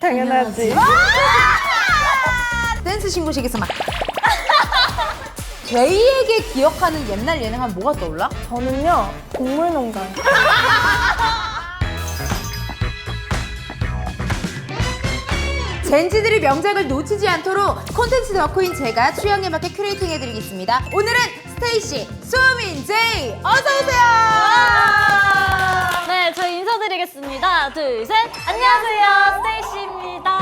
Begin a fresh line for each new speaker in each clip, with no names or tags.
당연하지.
댄스 신고식에서 막 제이에게 기억하는 옛날 예능 하면 뭐가 떠올라?
저는요, 동물농장.
젠지들이 명작을 놓치지 않도록 콘텐츠 덕후인 제가 취향에 맞게 큐레이팅 해드리겠습니다. 오늘은 스테이시, 수민, 제이 어서오세요.
네, 저희 인사드리겠습니다. 둘, 셋. 안녕하세요, 스테이시입니다.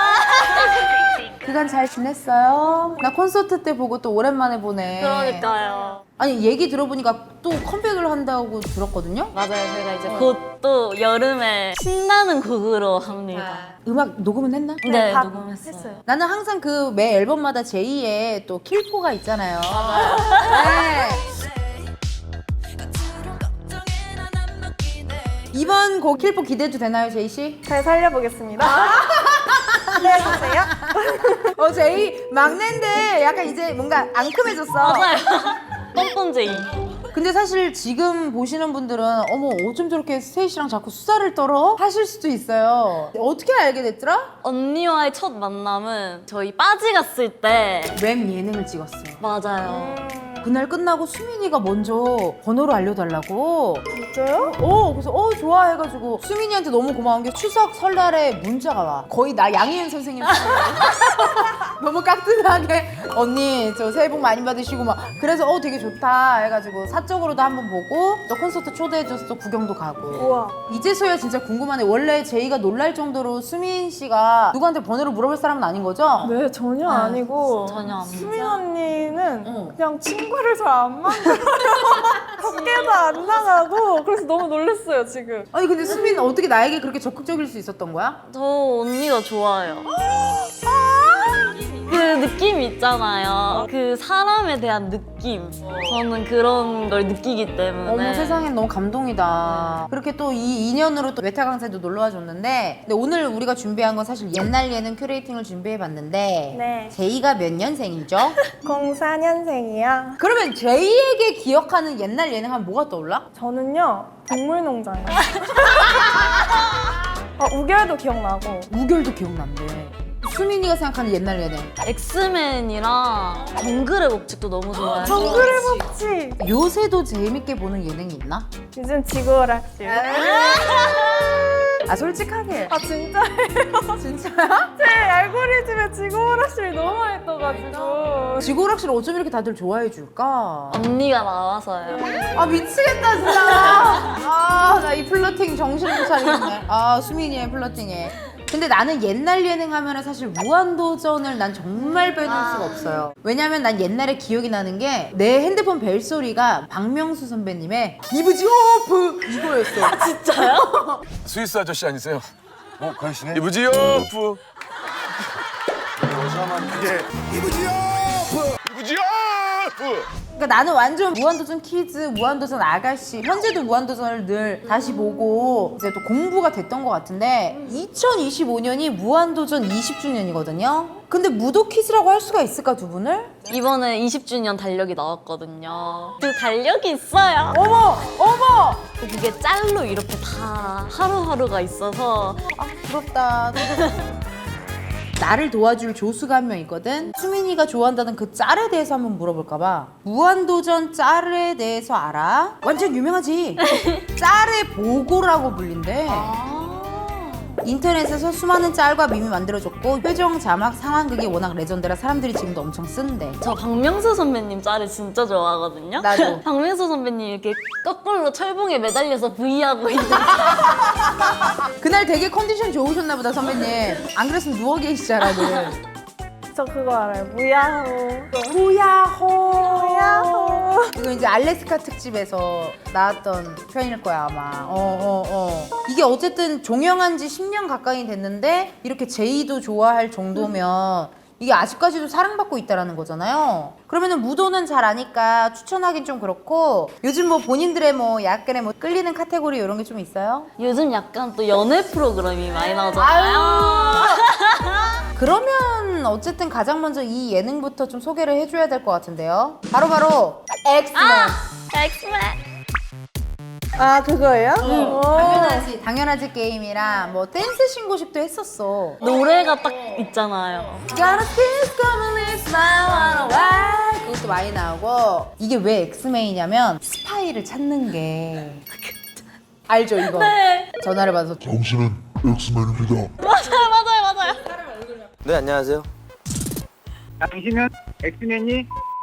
그간 잘 지냈어요? 나 콘서트 때 보고 또 오랜만에 보네.
그러니까요.
아니 얘기 들어보니까 또 컴백을 한다고 들었거든요?
맞아요, 저희가 이제 곧 또 여름에 신나는 곡으로 합니다.
음악 녹음은 했나?
네,
다
녹음했어요.
했어요.
나는 항상 그 매 앨범마다 제이의 또 킬포가 있잖아요. 네. 이번 곡 킬포 기대도 되나요, 제이 씨?
잘 살려보겠습니다. 기대해주세요.
제이 막내인데 약간 이제 뭔가 앙큼해졌어.
맞아요. 뻔뻔제이.
근데 사실 지금 보시는 분들은 어머 어쩜 저렇게 스테이시랑 자꾸 수다를 떨어? 하실 수도 있어요. 어떻게 알게 됐더라?
언니와의 첫 만남은 저희 빠지 갔을 때.
웹 예능을 찍었어요.
맞아요.
그날 끝나고 수민이가 먼저 번호를 알려달라고.
진짜요?
그래서 좋아 해가지고 수민이한테 너무 고마운 게 추석 설날에 문자가 와. 거의 나 양희은 선생님 너무 깍듯하게 언니 저 새해 복 많이 받으시고 막 그래서 되게 좋다 해가지고 사적으로도 한번 보고 또 콘서트 초대해줘서 또 구경도 가고.
우와.
이제서야 진짜 궁금하네. 원래 제이가 놀랄 정도로 수민 씨가 누구한테 번호를 물어볼 사람은 아닌 거죠?
네, 전혀 아니고.
전혀 안
수민 언니는
어.
그냥 친구를 잘 안 만들어요. 밖에도 안 나가고. 그래서 너무 놀랐어요, 지금.
아니 근데 수민은 어떻게 나에게 그렇게 적극적일 수 있었던 거야?
저 언니가 좋아요. 그 느낌 있잖아요. 그 사람에 대한 느낌. 저는 그런 걸 느끼기 때문에.
어머 세상엔 너무 감동이다. 그렇게 또 이 인연으로 또 외타 강사도 놀러와 줬는데 근데 오늘 우리가 준비한 건 사실 옛날 예능 큐레이팅을 준비해봤는데
네.
제이가 몇 년생이죠?
04년생이야.
그러면 제이에게 기억하는 옛날 예능 하면 뭐가 떠올라?
저는요, 동물농장이요. 우결도 기억나고.
우결도 기억난대. 수민이가 생각하는 옛날 예능.
엑스맨이랑 정글의 법칙도 너무 좋아해요.
정글의 법칙.
요새도 재밌게 보는 예능이 있나?
요즘 지구오락실.
솔직하게.
진짜예요?
진짜야?
제 알고리즘에 지구오락실 너무 많이 떠가지고.
지구오락실 어쩜 이렇게 다들 좋아해 줄까?
언니가 나와서요.
미치겠다 진짜. 나 이 플러팅 정신 못 차리겠네. 수민이의 플러팅에. 근데 나는 옛날 예능 하면은 사실 무한도전을 난 정말 빼놓을 수가 없어요. 왜냐면 난 옛날에 기억이 나는 게 내 핸드폰 벨소리가 박명수 선배님의 이브지 오프 이거였어.
진짜요?
스위스 아저씨 아니세요?
그러시네.
이브지오프
이게
이브지오프
그러니까 나는 완전 무한도전 키즈, 무한도전 아가씨, 현재도 무한도전을 늘 다시 보고 이제 또 공부가 됐던 것 같은데 2025년이 무한도전 20주년이거든요. 근데 무도 퀴즈라고 할 수가 있을까 두 분을?
이번에 20주년 달력이 나왔거든요. 그 달력이 있어요.
어머!
그게 짤로 이렇게 다 하루하루가 있어서
부럽다. 나를 도와줄 조수가 한 명 있거든. 수민이가 좋아한다는 그 짤에 대해서 한번 물어볼까 봐. 무한도전 짤에 대해서 알아? 완전 유명하지. 짤의 보고라고 불린대. 인터넷에서 수많은 짤과 밈이 만들어졌고 표정, 자막, 상황극이 워낙 레전드라 사람들이 지금도 엄청 쓴대.
저 박명수 선배님 짤을 진짜 좋아하거든요.
나도.
박명수 선배님 이렇게 거꾸로 철봉에 매달려서 V하고 있는.
그날 되게 컨디션 좋으셨나 보다 선배님. 안 그랬으면 누워 계시잖아 늘.
저 그거 알아요. 무야호.
무야호. 이거 이제 알래스카 특집에서 나왔던 표현일 거야 아마. 이게 어쨌든 종영한 지 10년 가까이 됐는데 이렇게 제이도 좋아할 정도면 이게 아직까지도 사랑받고 있다라는 거잖아요. 그러면은 무도는 잘 아니까 추천하긴 좀 그렇고 요즘 뭐 본인들의 뭐 약간의 뭐 끌리는 카테고리 이런 게 좀 있어요?
요즘 약간 또 연애 프로그램이 많이 나오잖아요.
그러면 어쨌든 가장 먼저 이 예능부터 좀 소개를 해줘야 될 것 같은데요. 바로 엑스맨.
엑스맨.
아, 그거예요?
당연하지 게임이랑 뭐 댄스 신고식도 했었어.
노래가 딱 있잖아요.
Gotta kiss coming in smile on a white. 그것도 많이 나오고. 이게 왜 엑스맨이냐면 스파이를 찾는 게 알죠 이거?
네.
전화를 받아서
당신은 엑스맨입니다.
맞아요.
네, 안녕하세요.
당신은 엑스맨이?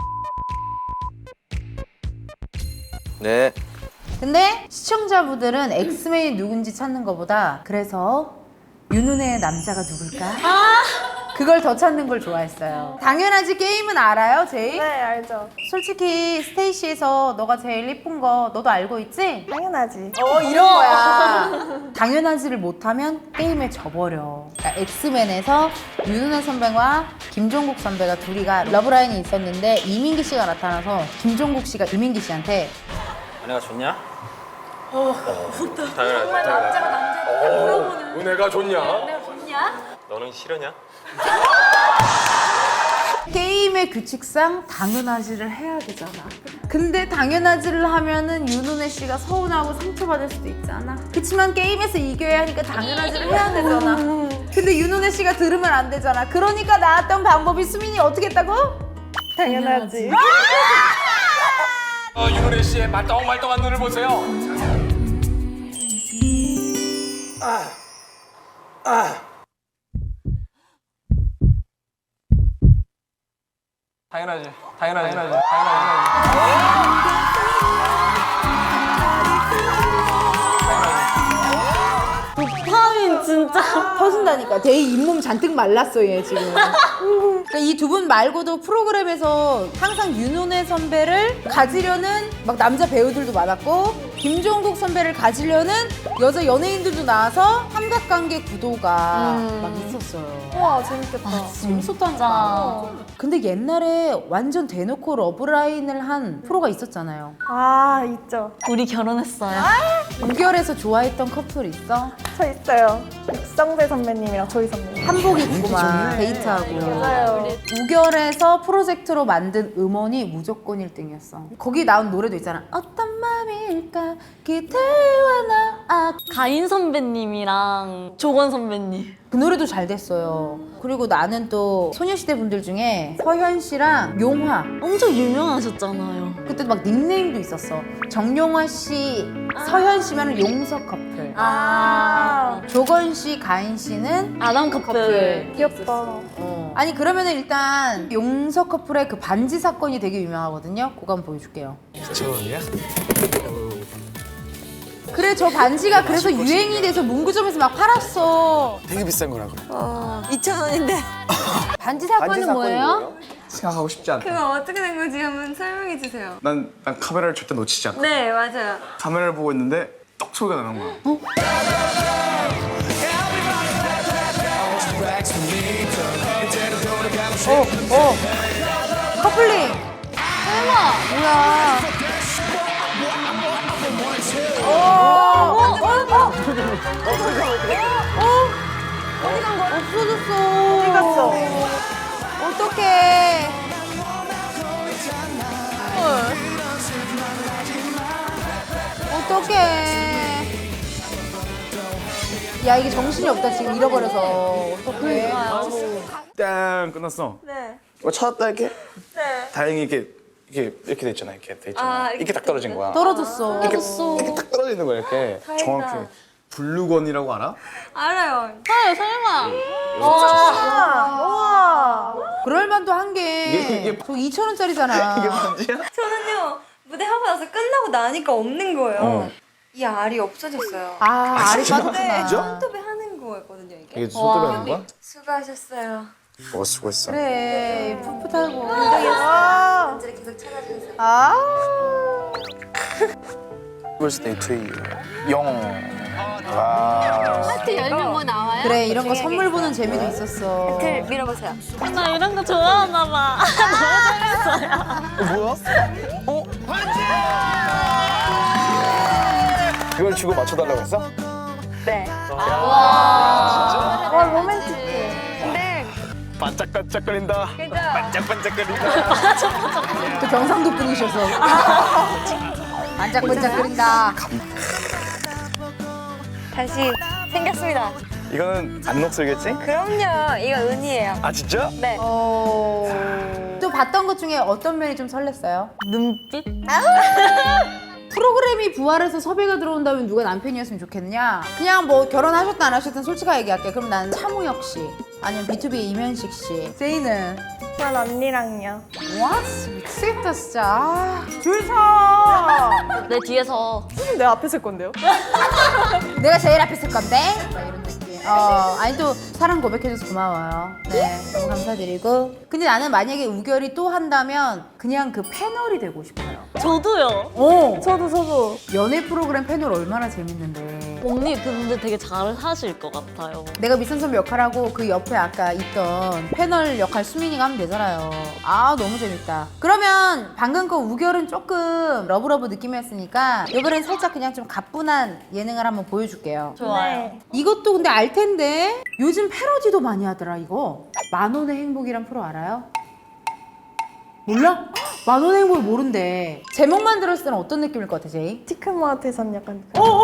네.
근데 시청자분들은 엑스맨이 누군지 찾는 것보다 그래서 윤은혜의 남자가 누굴까? 그걸 더 찾는 걸 좋아했어요. 당연하지 게임은 알아요, 제이?
네, 알죠.
솔직히 스테이시에서 너가 제일 예쁜 거 너도 알고 있지?
당연하지.
이런 거야. 당연하지를 못하면 게임에 져버려. 그러니까 엑스맨에서 윤은혜 선배와 김종국 선배가 둘이가 러브라인이 있었는데 이민기 씨가 나타나서 김종국 씨가 이민기 씨한테
은혜가 좋냐?
은혜가 좋냐?
너는 싫으냐?
게임의 규칙상 당연하지를 해야 되잖아. 근데 당연하지를 하면은 윤은혜 씨가 서운하고 상처받을 수도 있잖아. 그치만 게임에서 이겨야 하니까 당연하지를 해야 되잖아. 근데 윤은혜 씨가 들으면 안 되잖아. 그러니까 나왔던 방법이 수민이 어떻게 했다고?
당연하지.
윤은혜 씨의 말똥말똥한 눈을 보세요. 당연하지.
도파민 진짜.
터진다니까. 데이 잇몸 잔뜩 말랐어 얘 지금. 그러니까 이 두 분 말고도 프로그램에서 항상 윤은혜 선배를 가지려는 막 남자 배우들도 많았고 김종국 선배를 가지려는 여자 연예인들도 나와서 삼각관계 구도가 막 있었어요.
우와, 재밌겠다.
재밌었다니까. 근데 옛날에 완전 대놓고 러브라인을 한 프로가 있었잖아요.
아, 있죠.
우리 결혼했어요.
우결에서 좋아했던 커플 있어?
저 있어요. 육성재 선배님이랑 조이 선배님.
한복 입고만 데이트하고.
맞아요.
우결에서 프로젝트로 만든 음원이 무조건 1등이었어. 거기 나온 노래도 있잖아. 어떤 맘일까 기대와 나.
가인 선배님이랑 조건 선배님.
그 노래도 잘 됐어요. 그리고 나는 또 소녀시대 분들 중에 서현 씨랑 용화.
엄청 유명하셨잖아요.
그때 막 닉네임도 있었어. 정용화 씨, 서현 씨면 용석 커플. 조건 씨, 가인 씨는
아담 커플.
귀엽다.
아니 그러면은 일단 용석 커플의 그 반지 사건이 되게 유명하거든요. 그거 한번 보여줄게요.
저야?
그래 저 반지가 그래서 유행이 돼서 문구점에서 막 팔았어.
되게 비싼 거라 그래.
2,000원인데.
반지 사건은 뭐예요?
생각하고 싶지 않다.
그거 어떻게 된 건지 한번 설명해 주세요.
난 카메라를 절대 놓치지 않고
네, 맞아요.
카메라를 보고 있는데 떡 소리가 나는 거야.
커플링. 설마 뭐야? 어디 간 거야? 없어졌어.
어디 갔어?
어떡해. 어떡해. 야 이게 정신이 없다 지금 잃어버려서. 어떡해.
땡 끝났어.
네.
찾았다 이렇게.
네.
다행히 이렇게 돼 있잖아. 이렇게 돼 있잖아. 이렇게 딱 떨어진 거야.
떨어졌어.
이렇게 딱 떨어지는 거야 이렇게. 정확히. 블루건이라고 알아?
알아요.
설마.
우와.
그럴만도 한 게.
이게
저 2,000원짜리잖아.
이게 반지야?
저는요, 무대 하고 나서 끝나고 나니까 없는 거예요. 이 알이 없어졌어요.
알이
진짜?
빠졌구나.
손톱에 하는 거였거든요, 이게.
이게 손톱에 하는 거야?
수고하셨어요.
수고했어.
그래 풋풋하고.
와.
반지를 계속 찾아주세요.
birthday to you. 영. 와.
그래 이런 거 선물 보는 재미도 있었어.
밀어보세요.
나 이런 거 좋아하나 봐.
뭐야? 그걸 주고 맞춰달라고 했어?
네.
와, 로맨틱해.
근데,
반짝반짝거린다.
그죠?
반짝반짝거린다.
또 경상도 분이셔서. 반짝반짝거린다.
다시 생겼습니다.
이거는 안 녹슬겠지?
그럼요. 이거 은이에요.
아 진짜?
네.
또 봤던 것 중에 어떤 면이 좀 설렜어요?
눈빛?
프로그램이 부활해서 섭외가 들어온다면 누가 남편이었으면 좋겠냐? 그냥 뭐 결혼하셨든 안 하셨든 솔직하게 얘기할게. 그럼 나는 차무혁 씨 아니면 B2B의 이면식 씨. 제이는?
전 언니랑요.
와 미치겠다 진짜. 줄 서.
내 뒤에서
내 앞에 쓸 건데요?
내가 제일 앞에 있을 건데? 막 이런 느낌. 아니 또 사랑 고백해줘서 고마워요. 네, 너무 감사드리고. 근데 나는 만약에 우결이 또 한다면 그냥 그 패널이 되고 싶어요.
저도요.
저도.
연애 프로그램 패널 얼마나 재밌는데.
언니 근데 되게 잘 하실 것 같아요.
내가 미선 선배 역할하고 그 옆에 아까 있던 패널 역할 수민이가 하면 되잖아요. 아 너무 재밌다. 그러면 방금 거 우결은 조금 러브러브 느낌이었으니까 이번엔 살짝 그냥 좀 가뿐한 예능을 한번 보여줄게요.
좋아요.
이것도 근데 알 텐데 요즘 패러디도 많이 하더라 이거. 만원의 행복이란 프로 알아요? 몰라? 만원의 행복을 모른대. 제목만 들었을 때는 어떤 느낌일 것 같아 제이?
티크마트에선 약간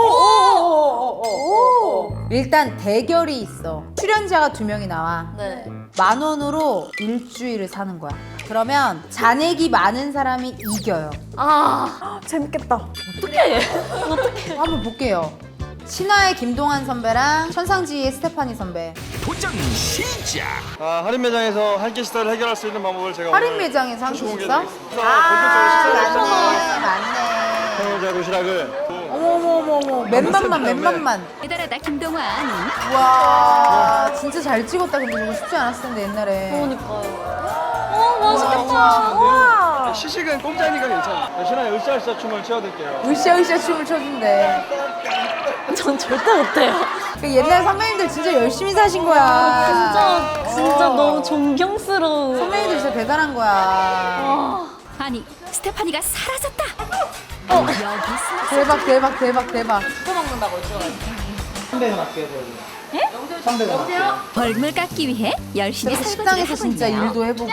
일단 대결이 있어. 출연자가 2명이 나와.
네.
10,000원으로 일주일을 사는 거야. 그러면 잔액이 많은 사람이 이겨요.
아,
재밌겠다.
어떡해.
한번 볼게요. 신화의 김동완 선배랑 천상지의 스테파니 선배.
할인 매장에서 한 끼 식사를 해결할 수 있는 방법을 제가
할인 매장에서 한
공개
식사?
드리겠습니다.
맞네.
평일자 도시락을
어머머머머. 맨밥만.
대단하다 김동완.
와 진짜 잘 찍었다. 근데 저거 쉽지 않았을 텐데 옛날에.
그러니까요. 맛있겠다.
시식은 공짜니까 괜찮아. 신화의 으쌰으쌰 춤을 춰드릴게요.
으쌰으쌰 춤을 춰준대.
전 절대 못해요.
그 옛날 선배님들 진짜 열심히 사신 거야.
진짜 너무 존경스러워.
선배님들 진짜 대단한 거야.
아니 스테파니가 사라졌다.
대박.
벌물 깎기 위해 열심히
그래서
설거지를
식당에서
하고
진짜
있네요.
일도 해보고.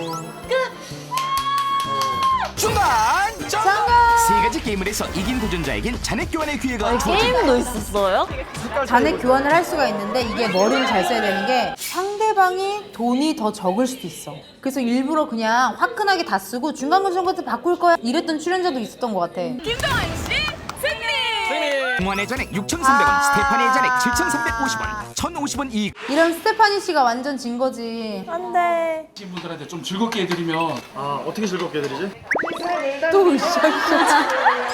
중간
장관!
세 가지 게임을 해서 이긴 도전자에겐 잔액 교환의 기회가
게임도 있었어요?
잔액 교환을 할 수가 있는데 이게 머리를 잘 써야 되는 게 상대방이 돈이 더 적을 수도 있어. 그래서 일부러 그냥 화끈하게 다 쓰고 중간고정 같은 바꿀 거야 이랬던 출연자도 있었던 것 같아.
동환의 잔액 6,300원, 스테파니의 잔액 7,350원, 1,050원 이익.
이런 스테파니 씨가 완전 진 거지.
안 돼.
분들한테 좀 즐겁게 해드리면
어떻게 즐겁게 해드리지?
또 으쌰으쌰.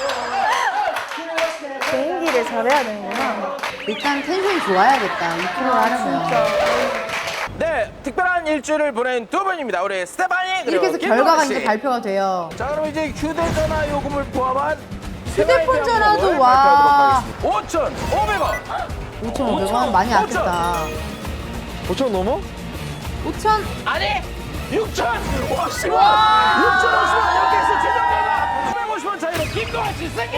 개인기를 잘해야 되는구나.
일단 텐션이 좋아야겠다. 이 프로를 하려면.
네 특별한 일주일을 보낸 두 분입니다. 우리 스테파니 그리고
이렇게 해서
김동완
결과가
씨.
이제 발표가 돼요.
자 그럼 이제 휴대전화 요금을 포함한
휴대폰 전화도 와.
5,500원
5,500원 많이 아꼈다.
5천 넘어?
5,000.
아니 6,050원 6,050원 이렇게 해서 최종 결과 950원 차이로 김동완 씨 승리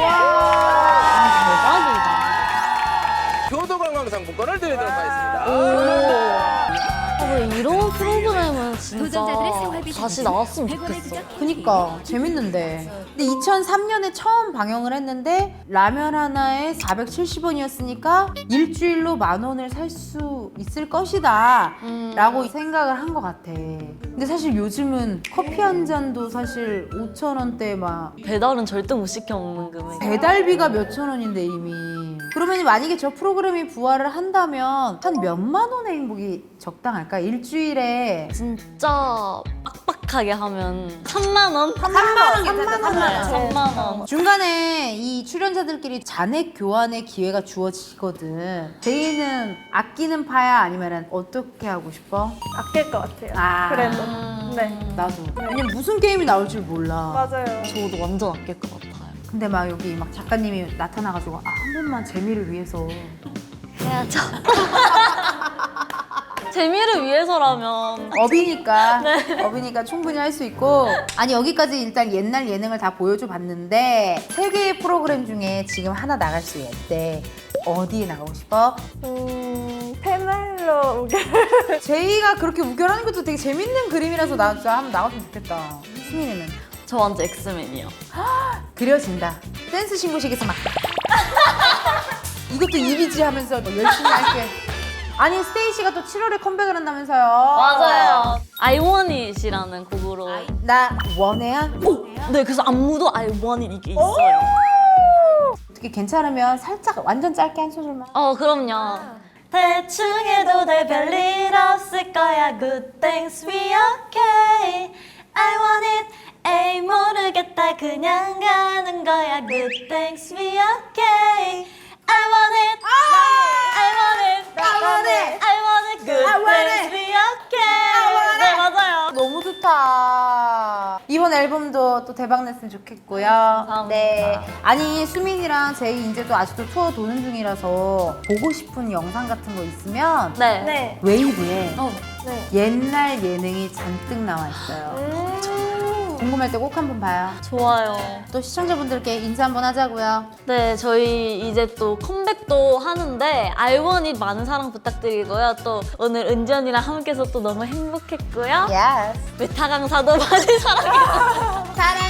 교도관광상품권을 드리도록 하겠습니다.
왜 이런 프로그램은 진짜
도전자들의 생활비
다시 나왔으면
100원의
좋겠어.
부적
그니까 재밌는데. 근데 2003년에 처음 방영을 했는데 라면 하나에 470원이었으니까 일주일로 10,000원을 살 수 있을 것이다 라고 생각을 한 것 같아. 근데 사실 요즘은 커피 한 잔도 사실 5,000원대 막
배달은 절대 못 시켜 먹는 금액.
배달비가 몇천 원인데 이미. 그러면 만약에 저 프로그램이 부활을 한다면 한 몇만 원의 행복이 적당할까? 일주일에
진짜 빡빡하게 하면 3만 원?
3만 원 괜찮다. 3만 원.
3만 원.
중간에 이 출연자들끼리 잔액 교환의 기회가 주어지거든. 제이는 아끼는 파야 아니면 어떻게 하고 싶어?
아낄 것 같아요.
아.
그래도. 네.
나도. 왜냐면 무슨 게임이 나올 줄 몰라.
맞아요.
저도 완전 아낄 것 같아요.
근데 막 여기 막 작가님이 나타나가지고 한 번만 재미를 위해서.
해야죠. 재미를 위해서라면
업이니까 업이니까 충분히 할 수 있고. 아니 여기까지 일단 옛날 예능을 다 보여줘 봤는데 3개의 프로그램 중에 지금 하나 나갈 수 있대. 어디에 나가고 싶어?
패널로
제이가 그렇게 우결하는 것도 되게 재밌는 그림이라서 나 진짜 한번 나갔으면 좋겠다. 수민이는?
저 완전 엑스맨이요.
그려진다. 댄스 신고식에서 막 이것도 이미지 하면서 뭐 열심히 할게. 아니 스테이시가 또 7월에 컴백을 한다면서요.
맞아요. I Want It이라는 곡으로.
나 원해야?
네, 그래서 안무도 I Want It 이게 있어요.
어떻게 괜찮으면 살짝 완전 짧게 한 소절만.
그럼요. 대충 해도 될 별일 없을 거야. Good things we okay. I want it. 에이 모르겠다 그냥 가는 거야. Good things we okay. I want it. I want it.
I want it.
I want it. Good
I want
things
it.
we okay. 네, 맞아요.
너무 좋다. 이번 앨범도 또 대박 냈으면 좋겠고요. 네. 아니 수민이랑 제이 이제 또 아직도 투어 도는 중이라서 보고 싶은 영상 같은 거 있으면
네.
네.
웨이브에
네.
옛날 예능이 잔뜩 나와 있어요. 궁금할 때 꼭 한번 봐요.
좋아요.
또 시청자분들께 인사 한번 하자고요.
네, 저희 이제 또 컴백도 하는데 I Want It 많은 사랑 부탁드리고요. 또 오늘 은지언니랑 함께해서 또 너무 행복했고요.
Yes.
메타 강사도 많이 사랑해주세요.
사랑해.